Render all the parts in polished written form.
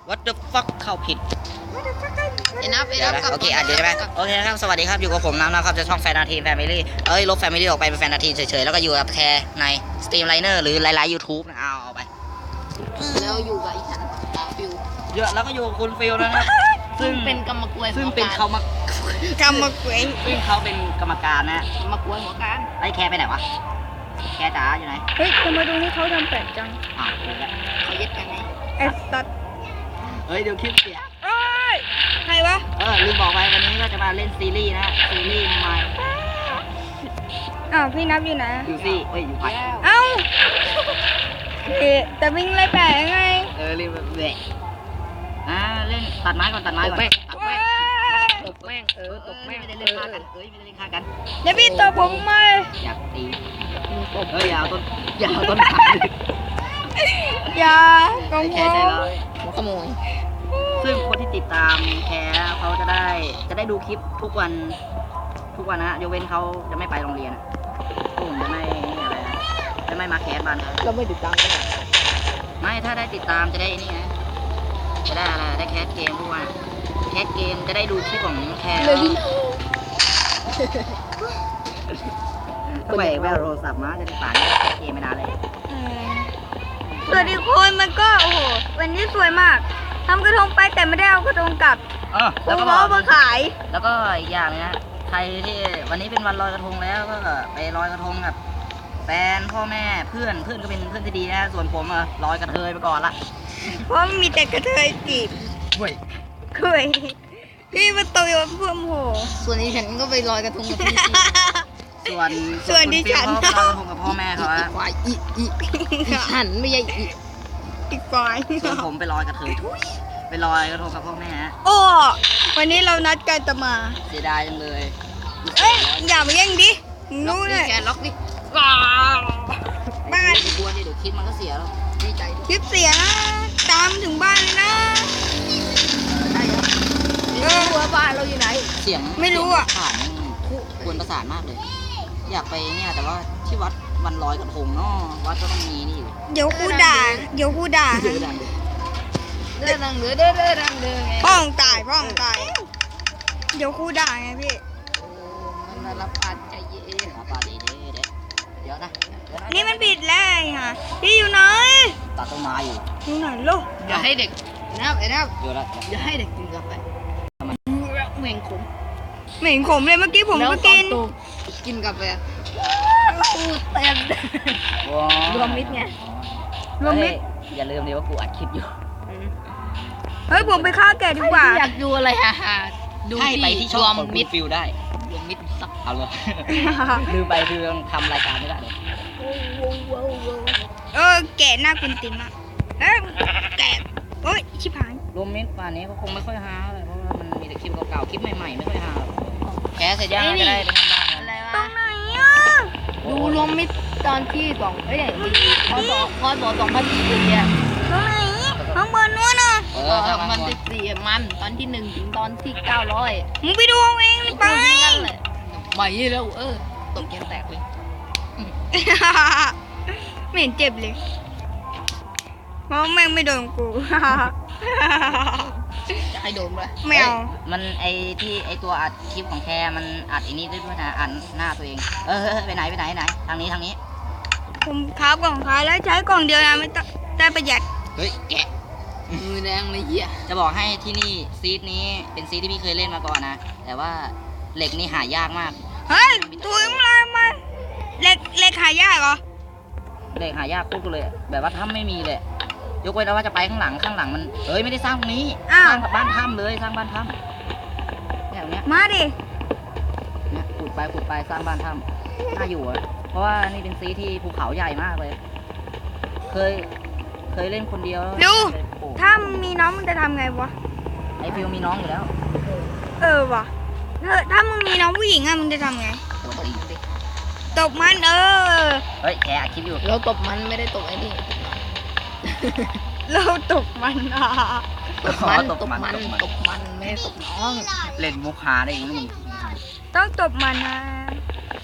What the fuck เข้าผิดเดี๋ยวนะโอเคเดี๋ยวใช่ไหมโอเคครับสวัสดีครับอยู่กับผมนะครับจะช่องแฟนนาทีแฟมิลี่ลบแฟมิลี่ออกไปเป็นแฟนนาทีเฉยๆแล้วก็อยู่กับแคร์ในสตรีมไลเนอร์หรือหลายๆ YouTube นะเอาไปแล้วอยู่กับอีฉันฟิวเยอะแล้วก็อยู่กับคุณฟิลนะครับซึ่งเป็นกรรมกรซึ่งเป็นเขามากรรมกวยซึ่งเขาเป็นกรรมการนะกรรมกรหัวการไอ้แคร์ไปไหนวะแคร์จ๋าอยู่ไหนเฮ้ยทำไมตรงนี้เขาทำแปลกจังดูแล้วเขายึดกันไงเอสตัดเฮ้ยเดี๋ยวคลิปเสียใครวะลืมบอกไปวันนี้ก็จะมาเล่นซีรีส์นะซีรีส์ใหม่พี่นับอยู่ไหนอยู่ซี่อยู่ไปแต่วิ่งไล่แปะยังไงรีบเละเล่นตัดไม้ก่อนตัดไม้ก่อนตบแม่งตบแม่งไม่ได้เล่นฆ่ากันไม่ได้เล่นฆ่ากันเดี๋ยวพี่ตบผมมาอยากตีอย่าเอาต้นขาอย่ากองแค่ใจร้ายหัวขโมยซึ่งคนที่ติดตามแคร์เขาจะได้ดูคลิปทุกวันนะยกเว้นเขาจะไม่ไปโรงเรียนผมจะไม่อะไรจะไม่มาแคสบ้านเราไม่ติดตามกันไม่ถ้าได้ติดตามจะได้นี่นะจะได้อะไรได้แคสเกมทุกวันแคสเกมจะได้ดูคลิปของแคร์ทำไมแววโทรศัพท์มาจะได้ป่านแคสเกมไม่นานเลยสวัสดีคนมันก็โอ้โหวันนี้สวยมากทำกระทงไปแต่ไม่ได้เอากระทงกลับแล้วก็มาขายแล้วก็อีกอย่างนะใครที่วันนี้เป็นวันลอยกระทงแล้วก็ไปลอยกระทงกับแฟนพ่อแม่เพื่อนก็เป็นเพื่อนที่ดีนะส่วนผมลอยกระเทยไปก่อนละเพราะมีแต่กระเทยจีบเคยพี่มาโตยเพื่อมโหส่วนนี้ฉันก็ไปลอยกระทงกับพี่ส่วนดิฉันลอยกระทงกับพ่อแม่เขาอีควายฉันไม่ใช่อีควายส่วนผมไปลอยกระเทยไปลอยกระทงกับพ่อแม่วันนี้เรานัดกันจะมาเสียดายจังเลยอย่ามาแย่งดินู้นเลยแกล็อกดิบ้านบัวนี่เดี๋ยวคลิปมันก็เสียแล้วดีใจคลิปเสียนะตามถึงบ้านเลยนะว่าบ้านเราอยู่ไหนเสียงไม่รู้ผ่านควรประสานมากเลยอยากไปเนี่ยแต่ว่าที่วัดวันลอยกระทงเนาะวัดก็ต้องมีนี่อยู่เดี๋ยวกูด่าเด้อดังไงป้องตายเดี๋ยวกูด่าไงพี่มันรับปานใจเย็นรับปานเดี๋ยวนะนี่มันผิดแล้วค่ะพี่อยู่ไหนตัดต้นไม้อยู่ไหนลูกอย่าให้เด็กนะครับอยู่แล้วอย่าให้เด็กกินกาแฟเหม็นขมเลยเมื่อกี้ผมก็กินกาแฟกูเต็มรวมมิตรไงรวมมิตรอย่าลืมดิว่ากูอัดคลิปอยู่เฮ้ยผมไปฆ่าแกดีกว่าอยากดูอะไรดูไปที่ช่องมิดฟิลได้รวมมิตรสักเอาเลยลืมไปคือทำรายการไม่ได้เลยแกหน้าคุณติมอะแกชิบหายรวมมิตรป่านนี้ก็คงไม่ค่อยฮาเลยเพราะว่ามันมีแต่คลิปเก่าๆคลิปใหม่ๆไม่ค่อยฮาแกเสร็จยังจะได้ไปทำบ้านอะไรวะตรงไหนดูรวมมิตรตอนที่พอ2014เนี่ยตรงไหนข้างบนนู้นน่ะมัน14มันตอนที่1ถึงตอนที่900 มึงไปดูเอาเองไปไม่แล้วตกยังแตกเลยไม่เห็นเจ็บเลยเพราะแม่งไม่โดนกูจะให้โดนเลยไม่เอามันไอตัวอัดคลิปของแคร์มันอัดนี้ด้วยนะอัดหน้าตัวเองไปไหนทางนี้ผมค้ากล่องขายแล้วใช้กล่องเดียวนะไม่ต้องได้ประหยัดเฮ้ยแกะมือแดงเลยเหี้ยจะบอกให้ที่นี่ซีดนี้เป็นซีดที่พี่เคยเล่นมาก่อนนะแต่ว่าเหล็กนี่หายากมากเฮ้ยถุยอะไรมาเหล็กหายากเหรอเหล็กหายากปุ๊บเลยแบบว่าถ้าไม่มีเลยยกเว้นว่าจะไปข้างหลังมันไม่ได้สร้างตรงนี้สร้างบ้านถ้ำเลยสร้างบ้านถ้ำอย่างเนี้ยมาดิเนี่ยขุดไปสร้างบ้านถ้ำน่าอยู่เพราะว่านี่เป็นซีที่ภูเขาใหญ่มากเลยเคยเล่นคนเดียวดูถ้ามีน้องมึงจะทำไงวะไอฟิวมีน้องอยู่แล้ววะถ้ามึงมีน้องผู้หญิงมึงจะทำไงตบมันเฮ้ยแกคิดอยู่เราตบมันไม่ได้ตบไอ้นี่เราตบมันตบมันไม่ได้ตบน้องเล่นมุกหาได้ยังไงต้องตบมันนะ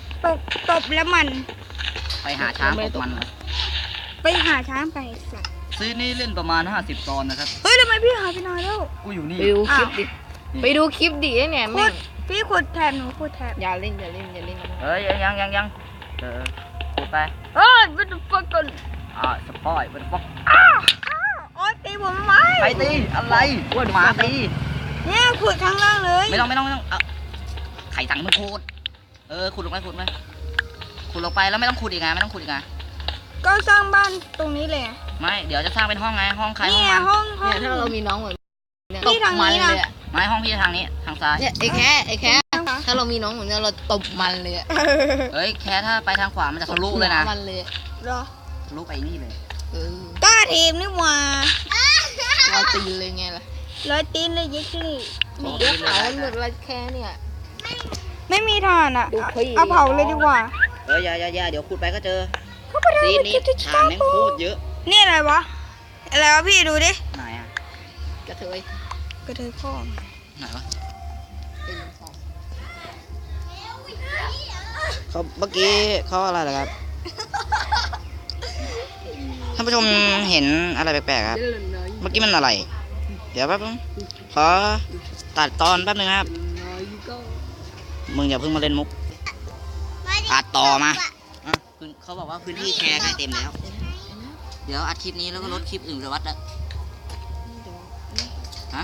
ตบแล้วมันไปหาช้างตบมันไปหาช้างไปสัตว์ซีนี้เล่นประมาณ50 ตอนนะครับเฮ้ยทำไมพี่หายไปนานแล้วกูอยู่นี่ไปดูคลิปดิไปดูคลิปดิเนี่ยขุแม่ดงพี่ขุดแถบหนูขุดแถบอย่าเล่นเอ้ยยังกูไปเฮ้ยมันฟักกันสปอยมันฟอกโอ๊ยตีผมทำไมใครตีอะไรหมาตีเนี่ยขุดข้างล่างเลยไม่ต้องไข่สั่งมึงขุดขุดลงไปขุดลงไปแล้วไม่ต้องขุดอีกไงไม่ต้องขุดอีกไงก็สร้างบ้านตรงนี้เลยไงไม่เดี๋ยวจะสร้างเป็นห้องไงห้องใครห้องเนี่ยมันห้องเนี่ยถ้าเรามีน้องเหมือนเนี่ยนี่ทางนี้นะตบมัเลยอะไม่ห้องพี่ทางนี้ทางซ้ายเนี่ยไอ้แค่ถ้าเรามีน้องเหมือนเนี่ยเราตบมันเลยอะเอ้ยแค่ถ้าไปทางขวามันจะทะลุเลยนะมันเลยอะเหรอทะลุไปนี่เลยกล้าทีมนี่หว่าเราตีเลยไงล่ะร้อยตีนเลยยิ่งนี่เดี๋ยวเขาหมดละแค่เนี่ยไม่มีถ่านอ่ะดูพี่เอาเผาเลยดีกว่าอย่าเดี๋ยวขุดไปก็เจอซีนนี้ฐานแม่งโคตรเยอะนี่อะไรวะอะไรวะพี่ดูดิไหนอ่ะกระเทยกระเทยพ่อไหนวะเป็นสองเขาเมื่อกี้เขาอะไรเหรอครับท่านผู้ชมเห็นอะไรแปลกๆครับเล่นน้อยเมื่อกี้มันอะไร เดี๋ยวแป๊บนึงขอตัดตอนแป๊บนึงครับน้อยก็มึงอย่าเพิ่งมาเล่นมุกอัดต่อมาเขาบอกว่าพื้นที่แชร์ใกล้เต็มแล้ว เดี๋ยวอัดคลิปนี้แล้วก็ลดคลิปอื่นไปวัดแล้วฮะ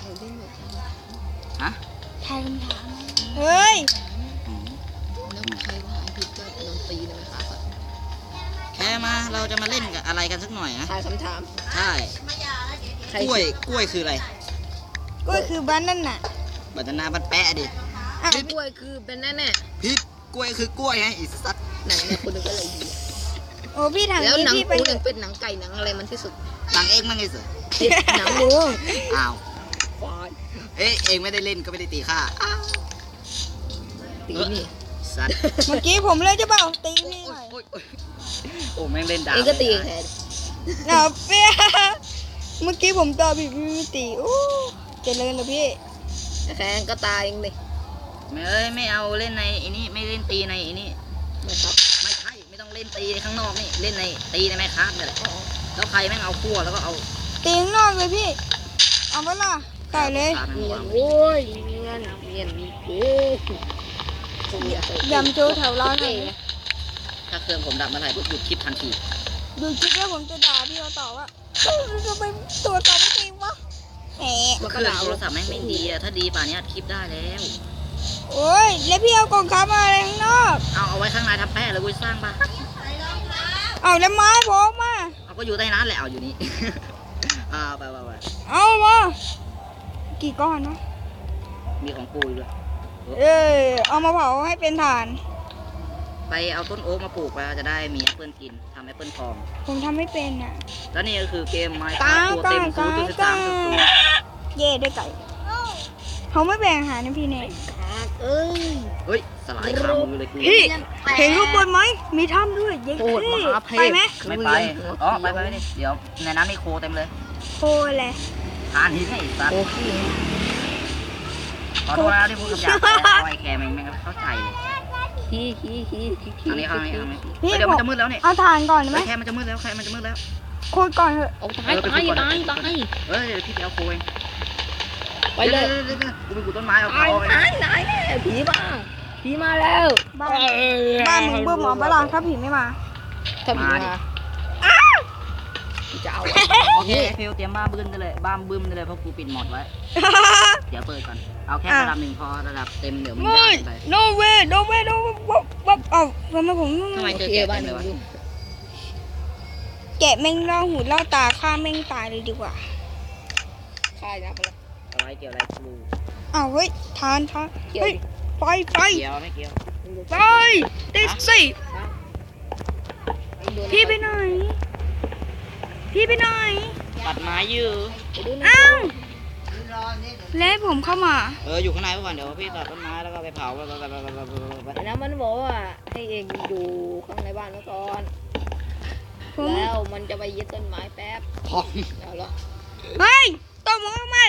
ฮะทายคำถามเฮ้ยแล้วใครว่าผิดก็โดนตีเลยนะครับแค่มาเราจะมาเล่นกับอะไรกันสักหน่อยนะทายคำถามใช่ใครกล้วยคืออะไรก็คือบ้านนั่นน่ะบัตนาบันแปะดิอ่ะกล้วยคือเป็นแน่พิษกล้วยคือกล้วยไงอีสัตว์ๆหนังเนี่ยคนหนึงก็เลยดีโอ้พี่ทางแล้วนี้หนังพี่ไปกูยังเป็นหนังไก่หนังอะไรมันที่สุดหลังเองมั้งไงสิหนังหมูอ้าวควายเองไม่ได้เล่นก็ไม่ได้ตีข้าตีนี่สัตว์เมื่อกี้ผมเลยจะเปล่าตีพี่หน่อยโอ้แม่งเล่นดาบเองก็ตีแทนหนาเปี้ยเมื่อกี้ผมตอบผิดพี่ไม่ตีโอ้เจริญเลยพี่แทนก็ตายเองเลยไม่เอาเล่นในไอ้นี่ไม่เล่นตีในไอ้นี่นะครับไม่ใช่ไม่ต้องเล่นตีข้างนอกนี่เล่นในตีในแม่ค้าเนี่ยแหละแล้วใครแม่งเอาขั้วแล้วก็เอาตีข้างนอกเลยพี่ เอาเวลาใส่เลยตาแม่งเงียวาน งโว้ยเงียนเก๋ยำโจแถวร้านเลยถ้าเครื่องผมดับเมื่อไหร่ปุ๊บหยุดคลิปทันทีดูคลิปแล้วผมจะด่าพี่เขาต่อว่าเอ้ยทำไมตัวต่อไม่ตีวะแหมเครื่องโทรศัพท์แม่งไม่ดีอะถ้าดีป่านนี้อัดคลิปได้แล้วโอ้ยแล้วพี่เอากล่องค้ามาอะไรข้างนอกเอาไว้ข้างในทำแป้เลยกูสร้างปะเอาแล้วไม้ผมมาเอาก็อยู่ใต้นั้นแหละเอาอยู่นี่ ไปเอามากี่ก้อนนะมีของปูด้วยเอามาเผาให้เป็นถ่านไปเอาต้นโอ๊กมาปลูกไปจะได้มีแอปเปิลกินทำแอปเปิลทองผมทำไม่เป็นอ่ะแล้วนี่ก็คือเกมไมค์กลางตัวเต็มกลาง 0.13 เย่ได้ไก่เขาไม่แบ่งอาหารนะพี่เนยเอ้ยเฮ้ยสลายขามือเลยกูพี่เห็นข้างบนไหมมีถ้ำด้วยเย้โคตรมหาเพศไปไหมไม่ไปไปดิเดี๋ยวในน้ำมีโคเต็มเลยโคเลยทานหินไอ้สัตว์โอ้ขี้ขอโทษนะที่พูดคำหยาบไปไอ้แคร์แม่งไม่เข้าใจเลยขี้ทางนี้พี่เดี๋ยวมันจะมืดแล้วเนี่ยเอาถ่านก่อนได้ไหมแคร์มันจะมืดแล้วโคตรก่อนเถอะเอาตายเฮ้ยพี่ไปเอาโคเองไปเลยกูไปกูต้นไม้เอาตายเอาไปตายผีมาแล้วบ้านมึงเบื่อหมอปะล่ะถ้าผีไม่มาถ้าผีมาจะเอาโอเคฟิลเตรียมบ้าบึ้มได้เลยเพราะกูปิดหมดไว้ เดี๋ยวเปิดก่อน เอาแค่ระดับ1พอระดับเต็มเดี๋ยวมึงได้ไป no way วับเอาทำไมผมทำไมเจอแกะเต็มเลยวะแกะแม่งล่อหูล่อตาฆ่าแม่งตายเลยดีกว่าใช่นะไปเลยอะไรเกี่ยวอะไรกูอ้าวเฮ้ยทานเฮ้ยไฟเกี่ยวไม่เกี่ยวไปติดสิพี่ไปไหนตัดไม้ยื้ออ้าวแล้วผมเข้ามาอยู่ข้างในก่อนเดี๋ยวพี่ตัดต้นไม้แล้วก็ไปเผาไปแล้วมันบอกว่าให้เองอยู่ข้างในบ้านแล้วก่อนแล้วมันจะไปยึดต้นไม้แป๊บพองเอาละเฮ้ยตบมือทำไม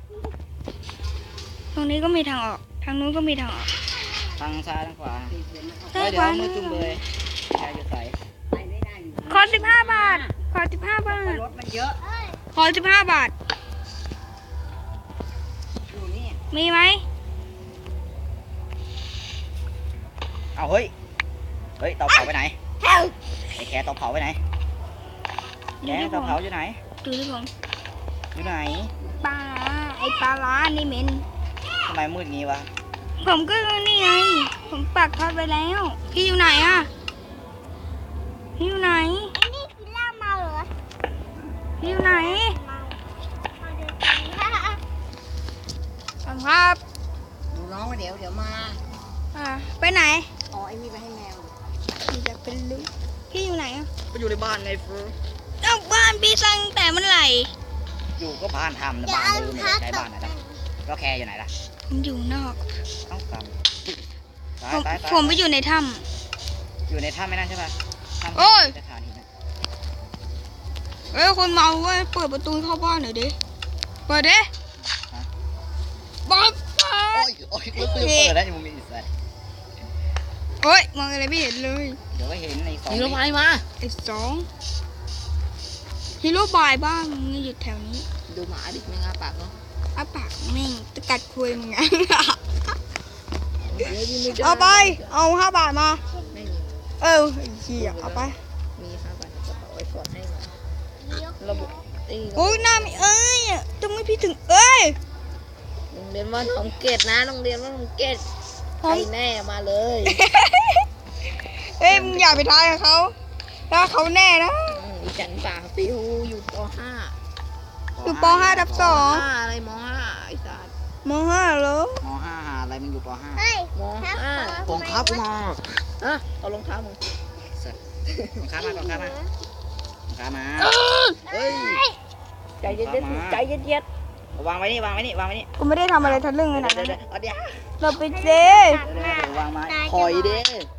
ตรงนี้ก็มีทางออกทางนู้นก็มีทางออกทางซ้ายทางขวาซ้ายเดี๋ขยววามือจุ่มเลยใครจะใส่ขอ15 บาทขอ15 บาทรถมันเยอะขอ15 บาทอยู่นี่มีไหมเอาเฮ้ยเตาเผาไปไหนไอ้แคเตาเผาไปไหนแคเตาเผาอยู่ไหนดูที่ผมอยู่ไหนปลาไอปลาร้านี่เหม็นทำไมมืดงี้วะผมก็นี่ไง ผมปักทอดไปแล้ว พี่อยู่ไหนอะพี่อยู่ไหนไอ้นี่กินเหล้าเมาเหรอพี่อยู่ไหนเมาเดี๋ยวกินข้าวครับดูน้องเดี๋ยวมาไปไหนอ๋อไอ้นี่ไปให้แมวพี่จะเป็นลูกพี่อยู่ไหนอะก็อยู่ในบ้านไงเฟิร์เอ้าบ้านพี่สร้างแต่เมื่อไหร่อยู่ก็บ้านทำนะบ้านลืมไม่ได้ใช้บ้านนะแล้วแคอยู่ไหนล่ะผมอยู่นอกต้องตามผมไปอยู่ในถ้อยู่ในถ้ำไม่นั่นใช่ป่ะถ้ำโอ้ยสถานีนะำคนเมาเว้ยเปิดประตูเข้าบ้านหน่อยดิ เปิดดิเปิดโอ้ยกูจะเปิดแล้วมึงมีอิสระโอ้ยมองอะไรไม่เห็นเลยเดี๋ยวก็เห็นในสองมีรถไฟมาไอ้สองฮีโร่บายบ้างมึงอยู่แถวนี้ดูหมาดิไม่งาปากเนาะอ้าปากแม่งจะกัดคุยมึงไงเดี๋ยวยิงไม่ได้เอาไป เอา5 บาทมาไม่มีไอ้เหี้ยเอาไปมี5 บาทในกระเป๋าไว้กดให้มาระบบไอ้โอ้ยหน้าไม่เอ้ยทำไมพี่ถึงเอ้ยโรงเรียนว่านของเกตนะโรงเรียนว่านของเกตผใครมแน่มาเลยเอ้ยมึงอย่าไปทายกับเขาถ้าเขาแน่นะอีจันป่าปิวอยู่ปอยู่ป .5 ทับ .5 อะไรม .5 ไอ้สัส 2ม .5 เหรอมห้าหาอะไรมันอยู่ปห้าเฮ้ยม .5 ผมครับกูมาอะเอารองเท้ามึงของข้ามาของข้ามาของข้ามาเฮ้ยใจเย็นๆใจเย็นวางไว้นี่วางไว้นี่วางไว้นี่กูไม่ได้ทำอะไรทะลึ่งขนาดเดี๋นั้ยวน เดี๋ยวเราไปเจเดี๋ยววางไม้คอยเด้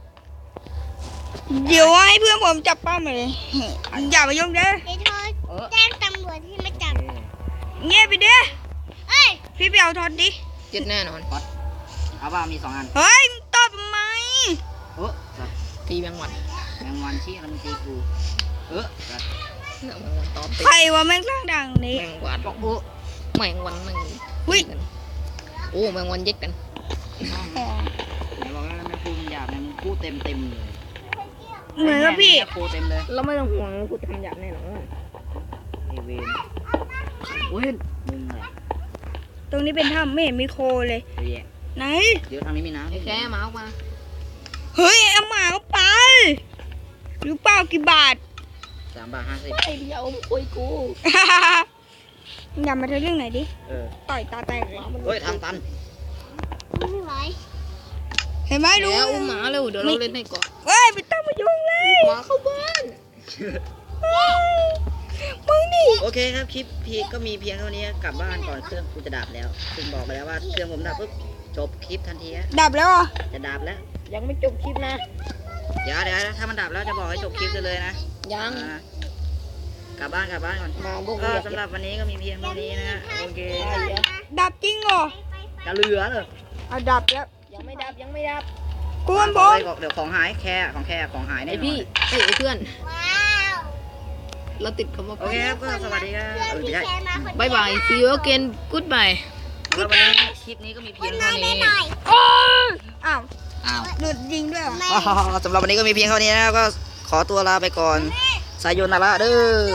เดี๋ยวให้เพื่อนผมจับป้ามาเลยอย่ามายุ่งเด้อเดี๋ยวโทรแจ้งตำรวจที่มาจับเงียบไปเด้อเอ้ยพี่ไปเอาทอดดิๆเจ็ดแน่นอนเอาว่ามี2 อันเฮ้ยมึงตอบทำไมตีแมงวันแมงวันชี้แล้วมันตีกูสัตว์เนี่ยแมงวันตอบตีใครวะแม่งร่างดังนี้แมงวันแมงวันแมงหุ้ยกันโอ้แมงวันเย็ดกันไหนบอกแล้วแม่ครูมันหยาบนะมึงพูดเต็มเลยเหมือนกับพี่แม่ครูเต็มเลยเราไม่ต้องห่วงกูทำหยาบแน่นอนไอเวนเว้นมึงอะไรตรงนี้เป็นถ้ำไม่เห็นมีโคเลยเดี๋ยวแยะไหนเดี๋ยวทางนี้มีน้ำไอ้แค่มาออกมาเฮ้ยเอาหมาเข้าไปหรือเปล่ากี่บาท 3 บาทไอ้เดียวมึงคุยกูอย่ามาเธอเรื่องไหนดิ 50 ต่อยตาแตกเลยเฮ้ยทางตันไม่ไหวเห็นไหมดูแล้วอุ้มหมาเร็วเดี๋ยวเราเล่นให้ก่อนเฮ้ยไม่ต้องมายุ่งเลยหมาเข้าบ้านมึงนี่โอเคครับคลิปพีก็มีเพียงเท่านี้กลับบ้านก่อนเครื่องกูจะดับแล้วซึ่งบอกไปแล้วว่าเครื่องผมดับปุ๊บจบคลิปทันทีฮะดับแล้วเหรอจะดับแล้วยังไม่จบคลิปนะเดี๋ยวถ้ามันดับแล้วจะบอกให้จบคลิปเลยนะยังกลับบ้านก่อนมาพวกก็เรียกสำหรับวันนี้ก็มีเพียงเท่านี้นะฮะโอเคดับจริงเหรอจะเหลือเลยเอาดับแล้วยังไม่ดับยังไม่ดับกวนผมเดี๋ยวของหายแค่ของหายแน่ไอนอนพี่ไอ้เพื่อนว้าวเราติดคำว่าโอเคครับก็สวัสดีครับเพื่อนพี่ไม่แคใช่ร์มาคนเดีวบายบาย see you again goodbye สำหรับวันนี้คลิปนี้ก็มีเพียงเท่านี้หน่อยอ้าวอ้าวหลุดยิงด้วยเหรอไม่สำหรับวันนี้ก็มีเพียงเท่านี้นะครับก็ขอตัวลาไปก่อนสายโยนาระเด้อ